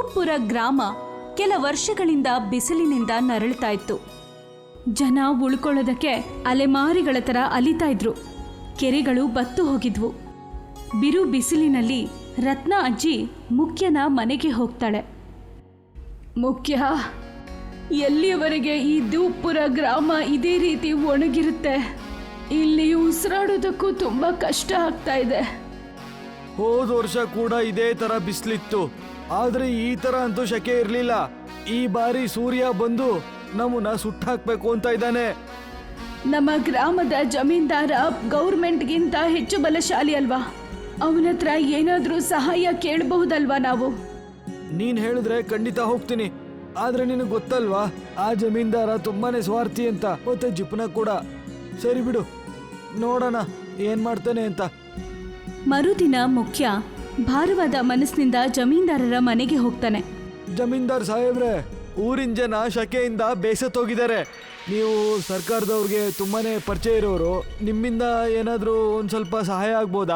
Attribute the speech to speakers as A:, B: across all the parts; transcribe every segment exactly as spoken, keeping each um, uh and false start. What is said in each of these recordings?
A: ಧೂಪ್ಪುರ ಗ್ರಾಮ ಕೆಲ ವರ್ಷಗಳಿಂದ ಬಿಸಿಲಿನಿಂದ ನರಳುತ್ತಾ ಇತ್ತು. ಜನ ಉಳ್ಕೊಳ್ಳೋದಕ್ಕೆ ಅಲೆಮಾರಿಗಳ ಥರ ಅಲಿತಾ ಇದ್ರು. ಕೆರೆಗಳು ಬತ್ತು ಹೋಗಿದ್ವು. ಬಿರು ಬಿಸಿಲಿನಲ್ಲಿ ರತ್ನ ಅಜ್ಜಿ ಮುಖ್ಯನ ಮನೆಗೆ ಹೋಗ್ತಾಳೆ. ಮುಖ್ಯ, ಎಲ್ಲಿಯವರೆಗೆ ಈ ಧೂಪ್ಪುರ ಗ್ರಾಮ ಇದೇ ರೀತಿ ಒಣಗಿರುತ್ತೆ? ಇಲ್ಲಿ ಉಸಿರಾಡೋದಕ್ಕೂ ತುಂಬ ಕಷ್ಟ ಆಗ್ತಾ ಇದೆ.
B: ಹೋದ ವರ್ಷ ಕೂಡ ಇದೇ ತರ ಬಿಸಿಲಿತ್ತು, ಆದ್ರೆ ಈ ತರ ಅಂತೂ ಶಕೆ ಇರ್ಲಿಲ್ಲ. ಈ ಬಾರಿ ಸೂರ್ಯ ಬಂದು ನಮ್ಮನ್ನ ಸುಟ್ಟಾಕ್ಬೇಕು ಅಂತ ಇದ್ದಾನೆ.
A: ನಮ್ಮ ಗ್ರಾಮದ ಜಮೀನ್ದಾರ ಗೌರ್ಮೆಂಟ್ಗಿಂತ ಹೆಚ್ಚು ಬಲಶಾಲಿ ಅಲ್ವಾ? ಅವನ ಹತ್ರ ಏನಾದ್ರೂ ಸಹಾಯ ಕೇಳಬಹುದಲ್ವಾ ನಾವು?
B: ನೀನ್ ಹೇಳಿದ್ರೆ ಖಂಡಿತ ಹೋಗ್ತೀನಿ, ಆದ್ರೆ ನಿನಗೆ ಗೊತ್ತಲ್ವಾ ಆ ಜಮೀನ್ದಾರ ತುಂಬಾನೇ ಸ್ವಾರ್ಥಿ ಅಂತ, ಮತ್ತೆ ಜಿಪ್ನ ಕೂಡ. ಸರಿ ಬಿಡು, ನೋಡೋಣ ಏನ್ ಮಾಡ್ತಾನೆ ಅಂತ.
A: ಮರುದಿನ ಮುಖ್ಯ ಭಾರವಾದ ಮನಸ್ಸಿನಿಂದ ಜಮೀನ್ದಾರರ ಮನೆಗೆ ಹೋಗ್ತಾನೆ.
B: ಜಮೀನ್ದಾರ್ ಸಾಹೇಬ್ರೆ, ಊರಿನ ಜನ ಶಕೆಯಿಂದ ಬೇಸತ್ತೋಗಿದ್ದಾರೆ. ನೀವು ಸರ್ಕಾರದವ್ರಿಗೆ ತುಂಬಾನೇ ಪರಿಚಯ ಇರೋರು, ನಿಮ್ಮಿಂದ ಏನಾದರೂ ಒಂದು ಸ್ವಲ್ಪ ಸಹಾಯ ಆಗ್ಬೋದಾ?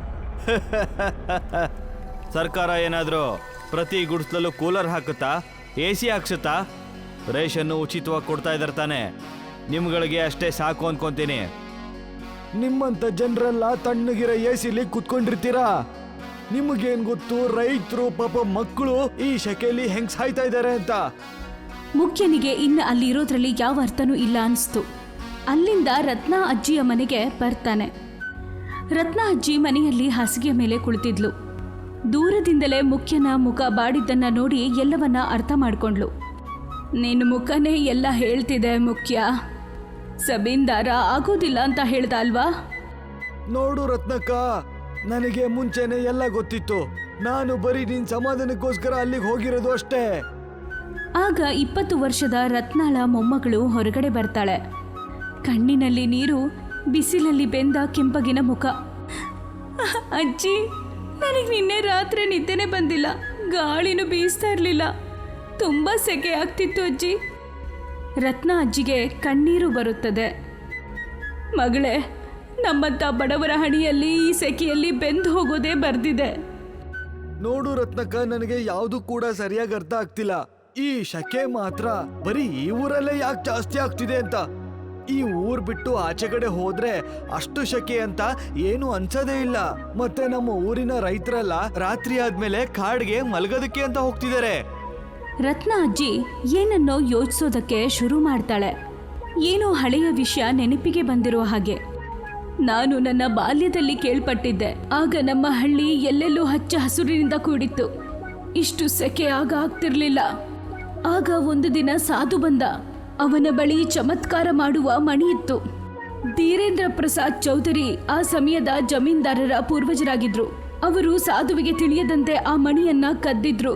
B: ಸರ್ಕಾರ ಏನಾದರೂ ಪ್ರತಿ ಗುಡಿಸ್ಲಲ್ಲೂ ಕೂಲರ್ ಹಾಕುತ್ತಾ, ಎ ಸಿ ಹಾಕ್ಸುತ್ತಾ? ರೇಷನ್ನು ಉಚಿತವಾಗಿ ಕೊಡ್ತಾ ಇದ್ದಾರೆ ತಾನೆ, ನಿಮ್ಗಳಿಗೆ ಅಷ್ಟೇ ಸಾಕು ಅನ್ಕೊಂತೀನಿ. ನಿಮ್ಮಂತ ಜನರೆಲ್ಲ ತಣ್ಣಗಿರೋ ಎ ಸಿಲಿ ಕುತ್ಕೊಂಡಿರ್ತೀರಾ? ನಿಮಗೇನ್ ಗೊತ್ತು ರೈತರು ಪಾಪ ಮಕ್ಕಳು ಈ ಶಕೆಯಲ್ಲಿ ಹೆಂಗ್ ಸಾಯ್ತಾ ಇದ್ದಾರೆ ಅಂತ?
A: ಮುಖ್ಯನಿಗೆ ಇನ್ನು ಅಲ್ಲಿ ಇರೋದ್ರಲ್ಲಿ ಯಾವ ಅರ್ಥನೂ ಇಲ್ಲ ಅನಿಸ್ತು. ಅಲ್ಲಿಂದ ರತ್ನ ಅಜ್ಜಿಯ ಮನೆಗೆ ಬರ್ತಾನೆ. ರತ್ನ ಅಜ್ಜಿ ಮನೆಯಲ್ಲಿ ಹಾಸಿಗೆಯ ಮೇಲೆ ಕುಳಿತಿದ್ಲು. ದೂರದಿಂದಲೇ ಮುಖ್ಯನ ಮುಖ ಬಾಡಿದ್ದನ್ನ ನೋಡಿ ಎಲ್ಲವನ್ನ ಅರ್ಥ ಮಾಡ್ಕೊಂಡ್ಲು. ನಿನ್ನ ಮುಖನೇ ಎಲ್ಲ ಹೇಳ್ತಿದೆ ಮುಖ್ಯ. ಜಮೀನ್ದಾರ ಆಗೋದಿಲ್ಲ ಅಂತ ಹೇಳ್ದ ಅಲ್ವಾ?
B: ನೋಡು ರತ್ನಕ್ಕ, ನನಗೆ ಮುಂಚೆನೆ ಎಲ್ಲ ಗೊತ್ತಿತ್ತು. ನಾನು ಬರೀ ನಿನ್ ಸಮಾಧಾನಕ್ಕೋಸ್ಕರ ಅಲ್ಲಿಗೆ ಹೋಗಿರೋದು ಅಷ್ಟೇ.
A: ಆಗ ಇಪ್ಪತ್ತು ವರ್ಷದ ರತ್ನಾಳ ಮೊಮ್ಮಗಳು ಹೊರಗಡೆ ಬರ್ತಾಳೆ. ಕಣ್ಣಿನಲ್ಲಿ ನೀರು, ಬಿಸಿಲಲ್ಲಿ ಬೆಂದ ಕೆಂಪಗಿನ ಮುಖ. ಅಜ್ಜಿ, ನನಗೆ ನಿನ್ನೆ ರಾತ್ರಿ ನಿದ್ದೆನೇ ಬಂದಿಲ್ಲ, ಗಾಳಿನೂ ಬೀಸ್ತಾ ಇರಲಿಲ್ಲ, ತುಂಬ ಸೆಕೆ ಆಗ್ತಿತ್ತು ಅಜ್ಜಿ. ರತ್ನ ಅಜ್ಜಿಗೆ ಕಣ್ಣೀರು ಬರುತ್ತದೆ. ಮಗಳೇ, ನಮ್ಮಂಥ ಬಡವರ ಹಣಿಯಲ್ಲಿ ಈ ಸೆಕೆಯಲ್ಲಿ ಬೆಂದು ಹೋಗೋದೇ ಬರ್ದಿದೆ.
B: ನೋಡು ರತ್ನಕ್ಕ, ನನಗೆ ಯಾವುದು ಕೂಡ ಸರಿಯಾಗಿ ಅರ್ಥ ಆಗ್ತಿಲ್ಲ. ಈ ಶಕೆ ಮಾತ್ರ ಬರೀ ಈ ಊರಲ್ಲೇ ಯಾಕೆ ಜಾಸ್ತಿ ಆಗ್ತಿದೆ ಅಂತ. ಈ ಊರ್ ಬಿಟ್ಟು ಆಚೆ ಕಡೆ ಹೋದ್ರೆ ಅಷ್ಟು ಶಕೆ ಅಂತ ಏನು ಅನ್ಸೋದೇ ಇಲ್ಲ. ಮತ್ತೆ ನಮ್ಮ ಊರಿನ ರೈತರೆಲ್ಲ ರಾತ್ರಿ ಆದ್ಮೇಲೆ ಕಾಡ್ಗೆ ಮಲಗೋದಕ್ಕೆ ಅಂತ ಹೋಗ್ತಿದ್ದಾರೆ.
A: ರತ್ನ ಅಜ್ಜಿ ಏನನ್ನೋ ಯೋಚಿಸೋದಕ್ಕೆ ಶುರು ಮಾಡ್ತಾಳೆ. ಏನೋ ಹಳೆಯ ವಿಷಯ ನೆನಪಿಗೆ ಬಂದಿರೋ ಹಾಗೆ. ನಾನು ನನ್ನ ಬಾಲ್ಯದಲ್ಲಿ ಕೇಳ್ಪಟ್ಟಿದ್ದೆ, ಆಗ ನಮ್ಮ ಹಳ್ಳಿ ಎಲ್ಲೆಲ್ಲೂ ಹಚ್ಚ ಹಸುರಿನಿಂದ ಕೂಡಿತ್ತು, ಇಷ್ಟು ಸೆಕೆ ಆಗ ಆಗ್ತಿರ್ಲಿಲ್ಲ. ಆಗ ಒಂದು ದಿನ ಸಾಧು ಬಂದ. ಅವನ ಬಳಿ ಚಮತ್ಕಾರ ಮಾಡುವ ಮಣಿ ಇತ್ತು. ಧೀರೇಂದ್ರ ಪ್ರಸಾದ್ ಚೌಧರಿ ಆ ಸಮಯದ ಜಮೀನ್ದಾರರ ಪೂರ್ವಜರಾಗಿದ್ರು. ಅವರು ಸಾಧುವಿಗೆ ತಿಳಿಯದಂತೆ ಆ ಮಣಿಯನ್ನ ಕದ್ದಿದ್ರು.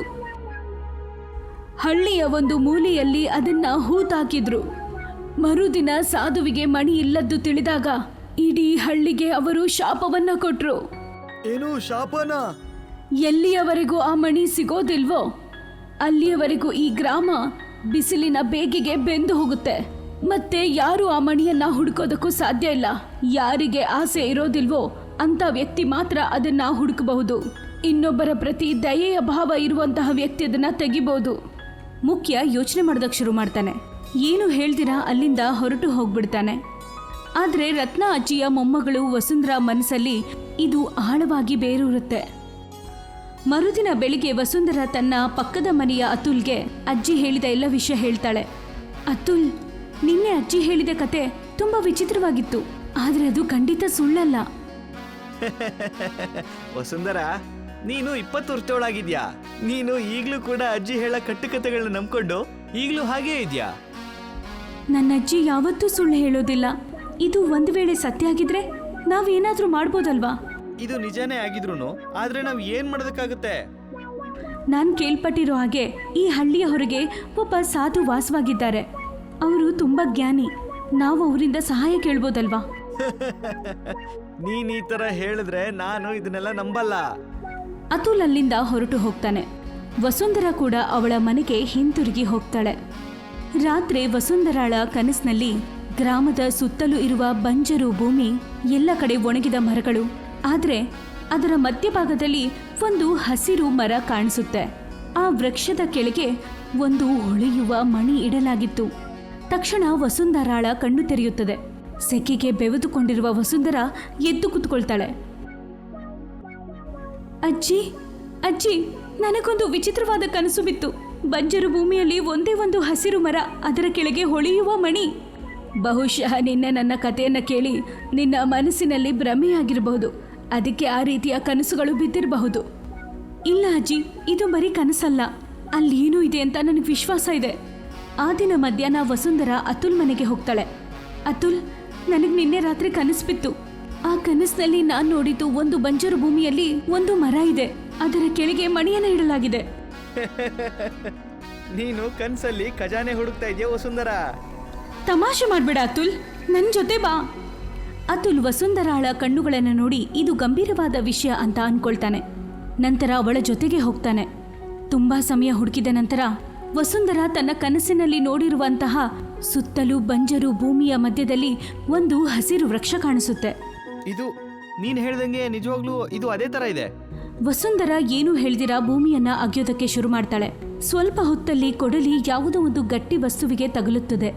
A: ಹಳ್ಳಿಯ ಒಂದು ಮೂಲೆಯಲ್ಲಿ ಅದನ್ನ ಹೂತಾಕಿದ್ರು. ಮರುದಿನ ಸಾಧುವಿಗೆ ಮಣಿ ಇಲ್ಲದ್ದು ತಿಳಿದಾಗ ಇಡೀ ಹಳ್ಳಿಗೆ ಅವರು ಶಾಪವನ್ನ ಕೊಟ್ರು.
B: ಏನು ಶಾಪನ?
A: ಎಲ್ಲಿಯವರೆಗೂ ಆ ಮಣಿ ಸಿಗೋದಿಲ್ವೋ ಅಲ್ಲಿಯವರೆಗೂ ಈ ಗ್ರಾಮ ಬಿಸಿಲಿನ ಬೇಗೆಗೆ ಬೆಂದು ಹೋಗುತ್ತೆ. ಮತ್ತೆ ಯಾರು ಆ ಮಣಿಯನ್ನ ಹುಡುಕೋದಕ್ಕೂ ಸಾಧ್ಯ ಇಲ್ಲ. ಯಾರಿಗೆ ಆಸೆ ಇರೋದಿಲ್ವೋ ಅಂತ ವ್ಯಕ್ತಿ ಮಾತ್ರ ಅದನ್ನ ಹುಡುಕಬಹುದು. ಇನ್ನೊಬ್ಬರ ಪ್ರತಿ ದಯೆಯ ಭಾವ ಇರುವಂತಹ ವ್ಯಕ್ತಿ ಅದನ್ನ ತೆಗಿಬಹುದು. ಮುಖ್ಯ ಯೋಚನೆ ಮಾಡೋದಕ್ಕೆ ಶುರು ಮಾಡ್ತಾನೆ. ಏನು ಹೇಳ್ದಿರಾ ಅಲ್ಲಿಂದ ಹೊರಟು ಹೋಗ್ಬಿಡ್ತಾನೆ. ಆದ್ರೆ ರತ್ನ ಅಜ್ಜಿಯ ಮೊಮ್ಮಗಳು ವಸುಂಧರಾ ಮನಸ್ಸಲ್ಲಿ ಇದು ಆಳವಾಗಿ ಬೇರೂರುತ್ತೆ. ಮರುದಿನ ಬೆಳಿಗ್ಗೆ ವಸುಂಧರಾ ತನ್ನ ಪಕ್ಕದ ಮನೆಯ ಅತುಲ್ಗೆ ಅಜ್ಜಿ ಹೇಳಿದ ಎಲ್ಲ ವಿಷಯ ಹೇಳ್ತಾಳೆ. ಅತುಲ್, ನಿನ್ನೆ ಅಜ್ಜಿ ಹೇಳಿದ ಕತೆ ತುಂಬಾ ವಿಚಿತ್ರವಾಗಿತ್ತು, ಆದ್ರೆ ಅದು ಖಂಡಿತ ಸುಳ್ಳಲ್ಲ.
B: ವಸುಂಧರಾ, ನೀನು ಇಪ್ಪತ್ತು ವರ್ಷದೊಳಗಿದ್ಯಾ. ನೀನು ಈಗ್ಲೂ ಕೂಡ ಅಜ್ಜಿ ಹೇಳ ಕಟ್ಟುಕತೆಗಳನ್ನ ನಂಬ್ಕೊಂಡು ಈಗ್ಲೂ ಹಾಗೇ ಇದ್ಯಾ?
A: ನನ್ನ ಅಜ್ಜಿ ಯಾವತ್ತೂ ಸುಳ್ಳು ಹೇಳೋದಿಲ್ಲ. ಇದು ಒಂದು ವೇಳೆ ಸತ್ಯ ಆಗಿದ್ರೆ ನಾವೇನಾದ್ರೂ ಮಾಡ್ಬೋದಲ್ವಾ?
B: ಇದು ನಿಜಾನೇ ಆಗಿದ್ರು ಆದ್ರೆ ನಾವ್ ಏನ್ ಮಾಡೋದಕ್ಕಾಗುತ್ತೆ?
A: ನಾನು ಕೇಳ್ಪಟ್ಟಿರೋ ಹಾಗೆ ಈ ಹಳ್ಳಿಯ ಹೊರಗೆ ಒಬ್ಬ ಸಾಧು ವಾಸವಾಗಿದ್ದಾರೆ. ಅವರು ತುಂಬಾ ಜ್ಞಾನಿ. ನಾವು ಅವರಿಂದ ಸಹಾಯ ಕೇಳ್ಬೋದಲ್ವಾ?
B: ನೀನ್ ಈ ತರ ಹೇಳಿದ್ರೆ ನಾನು ಇದನ್ನೆಲ್ಲ ನಂಬಲ್ಲ.
A: ಅತುಲ್ ಅಲ್ಲಿಂದ ಹೊರಟು ಹೋಗ್ತಾನೆ. ವಸುಂಧರಾ ಕೂಡ ಅವಳ ಮನೆಗೆ ಹಿಂತಿರುಗಿ ಹೋಗ್ತಾಳೆ. ರಾತ್ರಿ ವಸುಂಧರಾಳ ಕನಸಿನಲ್ಲಿ ಗ್ರಾಮದ ಸುತ್ತಲೂ ಇರುವ ಬಂಜರು ಭೂಮಿ, ಎಲ್ಲ ಕಡೆ ಒಣಗಿದ ಮರಗಳು, ಆದ್ರೆ ಅದರ ಮಧ್ಯಭಾಗದಲ್ಲಿ ಒಂದು ಹಸಿರು ಮರ ಕಾಣಿಸುತ್ತೆ. ಆ ವೃಕ್ಷದ ಕೆಳಗೆ ಒಂದು ಹೊಳೆಯುವ ಮಣಿ ಇಡಲಾಗಿತ್ತು. ತಕ್ಷಣ ವಸುಂಧರಾಳ ಕಣ್ಣು ತೆರೆಯುತ್ತದೆ. ಸೆಕೆಗೆ ಬೆವೆದುಕೊಂಡಿರುವ ವಸುಂಧರಾ ಎದ್ದು ಕುತ್ಕೊಳ್ತಾಳೆ. ಅಜ್ಜಿ ಅಜ್ಜಿ ನನಗೊಂದು ವಿಚಿತ್ರವಾದ ಕನಸು ಬಿತ್ತು. ಬಂಜರು ಭೂಮಿಯಲ್ಲಿ ಒಂದೇ ಒಂದು ಹಸಿರು ಮರ, ಅದರ ಕೆಳಗೆ ಹೊಳೆಯುವ ಮಣಿ. ಬಹುಶಃ ನಿನ್ನೆ ನನ್ನ ಕಥೆಯನ್ನು ಕೇಳಿ ನಿನ್ನ ಮನಸ್ಸಿನಲ್ಲಿ ಭ್ರಮೆಯಾಗಿರಬಹುದು. ಅದಕ್ಕೆ ಆ ರೀತಿಯ ಕನಸುಗಳು ಬಿದ್ದಿರಬಹುದು. ಇಲ್ಲ ಅಜ್ಜಿ, ಇದು ಬರೀ ಕನಸಲ್ಲ, ಅಲ್ಲಿ ಏನೂ ಇದೆ ಅಂತ ನನಗೆ ವಿಶ್ವಾಸ ಇದೆ. ಆ ದಿನ ಮಧ್ಯಾಹ್ನ ವಸುಂಧರಾ ಅತುಲ್ ಮನೆಗೆ ಹೋಗ್ತಾಳೆ. ಅತುಲ್, ನನಗೆ ನಿನ್ನೆ ರಾತ್ರಿ ಕನಸು ಬಿತ್ತು. ಆ ಕನಸಿನಲ್ಲಿ ನಾನು ನೋಡಿದ್ದು ಒಂದು ಬಂಜರು ಭೂಮಿಯಲ್ಲಿ ಒಂದು ಮರ ಇದೆ, ಅದರ ಕೆಳಗೆ ಮಣಿಯನ್ನು ಇಡಲಾಗಿದೆ.
B: ನೀನು ಕನ್ಸಲ್ಲಿ ಖಜಾನೆ ಹುಡುಕ್ತಾ ಇದೆಯಾ ವಸುಂಧರಾ?
A: ತಮಾಷೆ ಮಾಡ್ಬೇಡ ಅತುಲ್, ನನ್ನ ಜೊತೆ ಬಾ. ಅತುಲ್ ವಸುಂಧರಾಳ ಕಣ್ಣುಗಳನ್ನು ನೋಡಿ ಇದು ಗಂಭೀರವಾದ ವಿಷಯ ಅಂತ ಅನ್ಕೊಳ್ತಾನೆ. ನಂತರ ಅವಳ ಜೊತೆಗೆ ಹೋಗ್ತಾನೆ. ತುಂಬಾ ಸಮಯ ಹುಡುಕಿದ ನಂತರ ವಸುಂಧರಾ ತನ್ನ ಕನಸಿನಲ್ಲಿ ನೋಡಿರುವಂತಹ ಸುತ್ತಲೂ ಬಂಜರು ಭೂಮಿಯ ಮಧ್ಯದಲ್ಲಿ ಒಂದು ಹಸಿರು ವೃಕ್ಷ ಕಾಣಿಸುತ್ತೆ.
B: ಇದು ನೀನ್ ಹೇಳ್ದಂಗೆ ನಿಜವಾಗ್ಲೂ ಇದು ಅದೇ ತರ ಇದೆ.
A: ವಸುಂಧರಾ ಏನು ಹೇಳ್ದಿರಾ ಭೂಮಿಯನ್ನ ಅಗೆಯೋದಕ್ಕೆ ಶುರು ಮಾಡ್ತಾಳೆ. ಸ್ವಲ್ಪ ಹೊತ್ತಲ್ಲಿ ಕೊಡಲಿ ಯಾವುದೋ ಒಂದು ಗಟ್ಟಿ ವಸ್ತುವಿಗೆ ತಗುಲುತ್ತದೆ.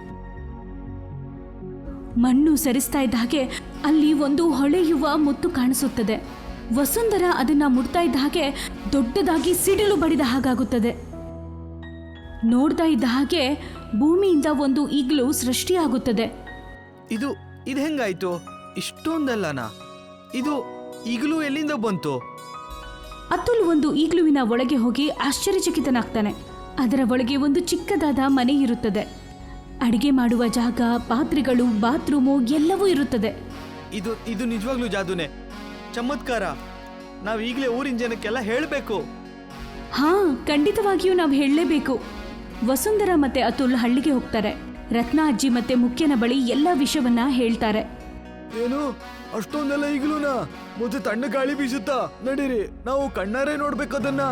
A: ಮಣ್ಣು ಸರಿಸ್ತಾ ಇದ್ದ ಹಾಗೆ ಅಲ್ಲಿ ಒಂದು ಹೊಳೆಯುವ ಮುತ್ತು ಕಾಣಿಸುತ್ತದೆ. ವಸುಂಧರಾ ಅದನ್ನ ಮುಟ್ತಾ ಇದ್ದ ಹಾಗೆ ದೊಡ್ಡದಾಗಿ ಸಿಡಿಲು ಬಡಿದ ಹಾಗಾಗುತ್ತದೆ. ನೋಡ್ತಾ ಇದ್ದ ಹಾಗೆ ಭೂಮಿಯಿಂದ ಒಂದು ಈಗ್ಲೂ ಸೃಷ್ಟಿಯಾಗುತ್ತದೆ.
B: ಇದು ಇದು ಹೆಂಗಾಯ್ತು? ಇಷ್ಟೊಂದಲ್ಲನಾ? ಇದು ಈಗಲೂ ಎಲ್ಲಿಂದ ಬಂತು?
A: ಅತುಲ್ ಒಂದು ಈಗ್ಲುವಿನ ಒಳಗೆ ಹೋಗಿ ಆಶ್ಚರ್ಯಚಕಿತನಾಗ್ತಾನೆ. ಅದರ ಒಳಗೆ ಒಂದು ಚಿಕ್ಕದಾದ ಮನೆ ಇರುತ್ತದೆ. ಅಡಿಗೆ ಮಾಡುವ ಜಾಗ, ಪಾತ್ರೆಗಳು, ಬಾತ್ರೂಮು ಎಲ್ಲವೂ ಇರುತ್ತದೆ.
B: ಇದು ಇದು ನಿಜವಾಗ್ಲೂ ಜಾದೂನೆ, ಚಮತ್ಕಾರ. ನಾವ್ ಈಗಲೇ ಊರಿನ ಜನಕ್ಕೆಲ್ಲ ಹೇಳಬೇಕು.
A: ಹಾ, ಖಂಡಿತವಾಗಿಯೂ ನಾವು ಹೇಳಲೇಬೇಕು. ವಸುಂಧರಾ ಮತ್ತೆ ಅತುಲ್ ಹಳ್ಳಿಗೆ ಹೋಗ್ತಾರೆ. ರತ್ನ ಅಜ್ಜಿ ಮತ್ತೆ ಮುಖ್ಯನ ಬಳಿ ಎಲ್ಲ ವಿಷಯವನ್ನ ಹೇಳ್ತಾರೆ.
B: ಏನು ಅಷ್ಟೊಂದೆಲ್ಲ ಈಗಲೂನಾ? ಮತ್ತೆ ತಣ್ಣ ಗಾಳಿ ಬೀಸುತ್ತಾ? ನಡೀರಿ, ನಾವು ಕಣ್ಣಾರೆ ನೋಡ್ಬೇಕದನ್ನ.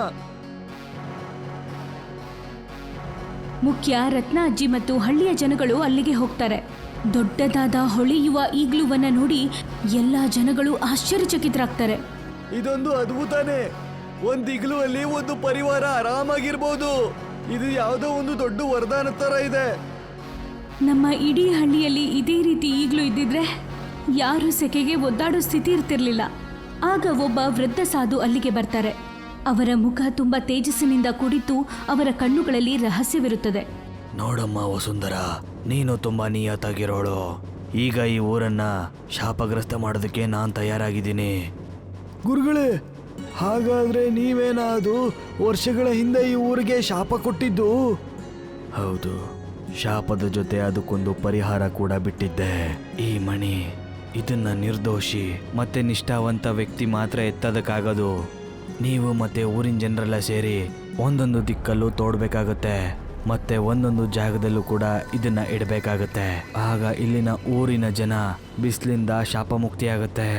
A: ಮುಖ್ಯ, ರತ್ನ ಅಜ್ಜಿ ಮತ್ತು ಹಳ್ಳಿಯ ಜನಗಳು ಅಲ್ಲಿಗೆ ಹೋಗ್ತಾರೆ. ದೊಡ್ಡದಾದ ಹೊಳೆಯುವ ಈಗ್ಲುವನ್ನ ನೋಡಿ ಎಲ್ಲ ಜನಗಳು ಆಶ್ಚರ್ಯಚಕಿತರಾಗ್ತಾರೆ.
B: ಇದೊಂದು ಅದ್ಭುತನೇ. ಒಂದ್ ಇಗ್ಲು ಅಲ್ಲಿ ಒಂದು ಪರಿವಾರ ಆರಾಮಾಗಿರ್ಬೋದು. ಇದು ಯಾವುದೋ ಒಂದು ದೊಡ್ಡ ವರದಾನ ತರ ಇದೆ.
A: ನಮ್ಮ ಇಡೀ ಹಳ್ಳಿಯಲ್ಲಿ ಇದೇ ರೀತಿ ಈಗಲೂ ಇದ್ದಿದ್ರೆ ಯಾರು ಸೆಕೆಗೆ ಒದ್ದಾಡೋ ಸ್ಥಿತಿ ಇರ್ತಿರ್ಲಿಲ್ಲ. ಆಗ ಒಬ್ಬ ವೃದ್ಧ ಸಾಧು ಅಲ್ಲಿಗೆ ಬರ್ತಾರೆ. ಅವರ ಮುಖ ತುಂಬಾ ತೇಜಸ್ಸಿನಿಂದ ಕೂಡಿದ್ದು ಅವರ ಕಣ್ಣುಗಳಲ್ಲಿ ರಹಸ್ಯವಿರುತ್ತದೆ.
B: ನೋಡಮ್ಮ ವಸುಂಧರಾ, ನೀನು ತುಂಬಾ ನಿಯತ್ತಾಗಿರೋಳು. ಈಗ ಈ ಊರನ್ನ ಶಾಪಗ್ರಸ್ತ ಮಾಡೋದಕ್ಕೆ ನಾನ್ ತಯಾರಾಗಿದ್ದೀನಿ. ಗುರುಗಳೇ, ಹಾಗಾದ್ರೆ ನೀವೇನಾ ಅದು ವರ್ಷಗಳ ಹಿಂದೆ ಈ ಊರಿಗೆ ಶಾಪ ಕೊಟ್ಟಿದ್ದು? ಹೌದು, ಶಾಪದ ಜೊತೆ ಅದಕ್ಕೊಂದು ಪರಿಹಾರ ಕೂಡ ಬಿಟ್ಟಿದ್ದೆ. ಈ ಮಣಿ, ಇದನ್ನ ನಿರ್ದೋಷಿ ಮತ್ತೆ ನಿಷ್ಠಾವಂತ ವ್ಯಕ್ತಿ ಮಾತ್ರ ಎತ್ತದಕ್ಕಾಗದು. ನೀವು ಮತ್ತೆ ಊರಿನ ಜನರೆಲ್ಲ ಸೇರಿ ಒಂದೊಂದು ದಿಕ್ಕಲ್ಲೂ ತೋಡ್ಬೇಕಾಗತ್ತೆ, ಮತ್ತೆ ಒಂದೊಂದು ಜಾಗದಲ್ಲೂ ಕೂಡ ಇದನ್ನ ಇಡಬೇಕಾಗತ್ತೆ. ಆಗ ಇಲ್ಲಿನ ಊರಿನ ಜನ ಬಿಸಿಲಿಂದ ಶಾಪ ಮುಕ್ತಿಯಾಗತ್ತೆ.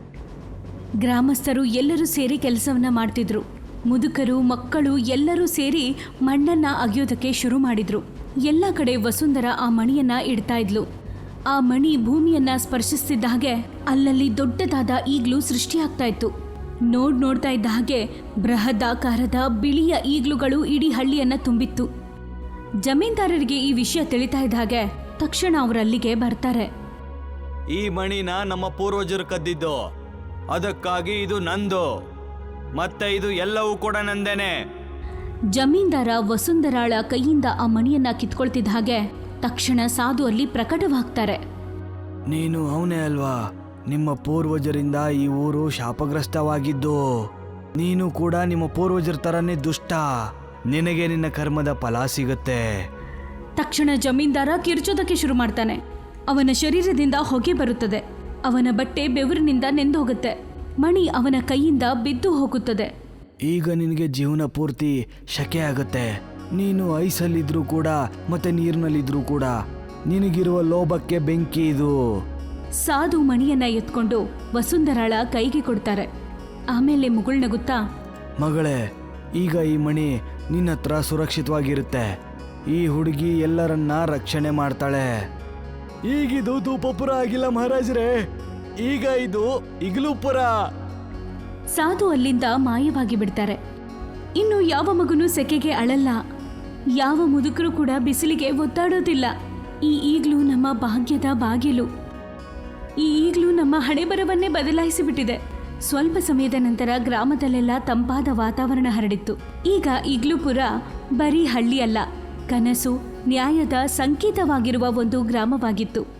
A: ಗ್ರಾಮಸ್ಥರು ಎಲ್ಲರೂ ಸೇರಿ ಕೆಲಸವನ್ನ ಮಾಡ್ತಿದ್ರು. ಮುದುಕರು, ಮಕ್ಕಳು ಎಲ್ಲರೂ ಸೇರಿ ಮಣ್ಣನ್ನ ಅಗೆಯೋದಕ್ಕೆ ಶುರು ಮಾಡಿದ್ರು. ಎಲ್ಲ ಕಡೆ ವಸುಂಧರಾ ಆ ಮಣಿಯನ್ನ ಇಡ್ತಾ ಇದ್ಲು. ಆ ಮಣಿ ಭೂಮಿಯನ್ನ ಸ್ಪರ್ಶಿಸ್ತಿದ್ದ ಹಾಗೆ ಅಲ್ಲಲ್ಲಿ ದೊಡ್ಡದಾದ ಈಗ್ಲೂ ಸೃಷ್ಟಿಯಾಗ್ತಾ ಇತ್ತು. ನೋಡ್ ನೋಡ್ತಾ ಇದ್ದ ಹಾಗೆ ಬೃಹದಾಕಾರದ ಬಿಳಿಯ ಈಗ್ಲುಗಳು ಇಡೀ ಹಳ್ಳಿಯನ್ನ ತುಂಬಿತ್ತು. ಜಮೀನ್ದಾರರಿಗೆ ಈ ವಿಷಯ ತಿಳಿತಾ ಇದ್ದ ಹಾಗೆ ತಕ್ಷಣ ಅವರಲ್ಲಿಗೆ ಬರ್ತಾರೆ.
B: ಈ ಮಣಿನ ನಮ್ಮ ಪೂರ್ವಜರು ಕದ್ದಿದ್ದು, ಅದಕ್ಕಾಗಿ ಇದು ನಂದು, ಮತ್ತೆ ಇದು ಎಲ್ಲವೂ ಕೂಡ ನಂದೇನೆ.
A: ಜಮೀನ್ದಾರ ವಸುಂಧರಾಳ ಕೈಯಿಂದ ಆ ಮಣಿಯನ್ನ ಕಿತ್ಕೊಳ್ತಿದ್ದ ಹಾಗೆ ತಕ್ಷಣ ಸಾಧು ಅಲ್ಲಿ ಪ್ರಕಟವಾಗ್ತಾರೆ.
B: ನೀನು ಅವನೇ ಅಲ್ವಾ? ನಿಮ್ಮ ಪೂರ್ವಜರಿಂದ ಈ ಊರು ಶಾಪಗ್ರಸ್ತವಾಗಿದ್ದು. ನೀನು ಕೂಡ ನಿಮ್ಮ ಪೂರ್ವಜರ ತರನೇ ದುಷ್ಟ. ನಿನಗೆ ನಿನ್ನ ಕರ್ಮದ ಫಲ ಸಿಗುತ್ತೆ.
A: ತಕ್ಷಣ ಜಮೀನ್ದಾರ ಕಿರ್ಚೋದಕ್ಕೆ ಶುರು ಮಾಡ್ತಾನೆ. ಅವನ ಶರೀರದಿಂದ ಹೊಗೆ ಬರುತ್ತದೆ. ಅವನ ಬಟ್ಟೆ ಬೆವರಿನಿಂದ ನೆಂದೋಗುತ್ತೆ. ಮಣಿ ಅವನ ಕೈಯಿಂದ ಬಿದ್ದು ಹೋಗುತ್ತದೆ.
B: ಈಗ ನಿನಗೆ ಜೀವನ ಪೂರ್ತಿ ಶಕೆ ಆಗುತ್ತೆ. ನೀನು ಐಸಲ್ಲಿದ್ರೂ ಕೂಡ ಮತ್ತೆ ನೀರಿನಲ್ಲಿದ್ರೂ ಕೂಡ ನಿನಗಿರುವ ಲೋಭಕ್ಕೆ ಬೆಂಕಿ ಇದು.
A: ಸಾಧು ಮಣಿಯನ್ನ ಎತ್ಕೊಂಡು ವಸುಂಧರಾಳ ಕೈಗೆ ಕೊಡ್ತಾರೆ. ಆಮೇಲೆ ಮುಗುಳ್ನಗುತ್ತಾ,
B: ಮಗಳೇ, ಈಗ ಈ ಮಣಿ ನಿನ್ನ ಹತ್ರ ಸುರಕ್ಷಿತವಾಗಿರುತ್ತೆ. ಈ ಹುಡುಗಿ ಎಲ್ಲರನ್ನ ರಕ್ಷಣೆ ಮಾಡ್ತಾಳೆ. ಈಗಿದು ಧೂಪಪುರ ಆಗಿಲ್ಲ ಮಹಾರಾಜರೇ, ಈಗ ಇದು ಇಗ್ಲೂಪುರ.
A: ಸಾಧು ಅಲ್ಲಿಂದ ಮಾಯವಾಗಿ ಬಿಡ್ತಾರೆ. ಇನ್ನು ಯಾವ ಮಗುನೂ ಸೆಕೆಗೆ ಅಳಲ್ಲ, ಯಾವ ಮುದುಕರು ಕೂಡ ಬಿಸಿಲಿಗೆ ಒತ್ತಾಡೋದಿಲ್ಲ. ಈ ಈಗ್ಲೂ ನಮ್ಮ ಭಾಗ್ಯದ ಬಾಗಿಲು, ಈ ಈಗ್ಲೂ ನಮ್ಮ ಹಣೆಬರವನ್ನೇ ಬದಲಾಯಿಸಿಬಿಟ್ಟಿದೆ. ಸ್ವಲ್ಪ ಸಮಯದ ನಂತರ ಗ್ರಾಮದಲ್ಲೆಲ್ಲ ತಂಪಾದ ವಾತಾವರಣ ಹರಡಿತ್ತು. ಈಗ ಇಗ್ಲೂಪುರ ಬರೀ ಹಳ್ಳಿ ಅಲ್ಲ, ಕನಸು, ನ್ಯಾಯದ ಸಂಕೇತವಾಗಿರುವ ಒಂದು ಗ್ರಾಮವಾಗಿತ್ತು.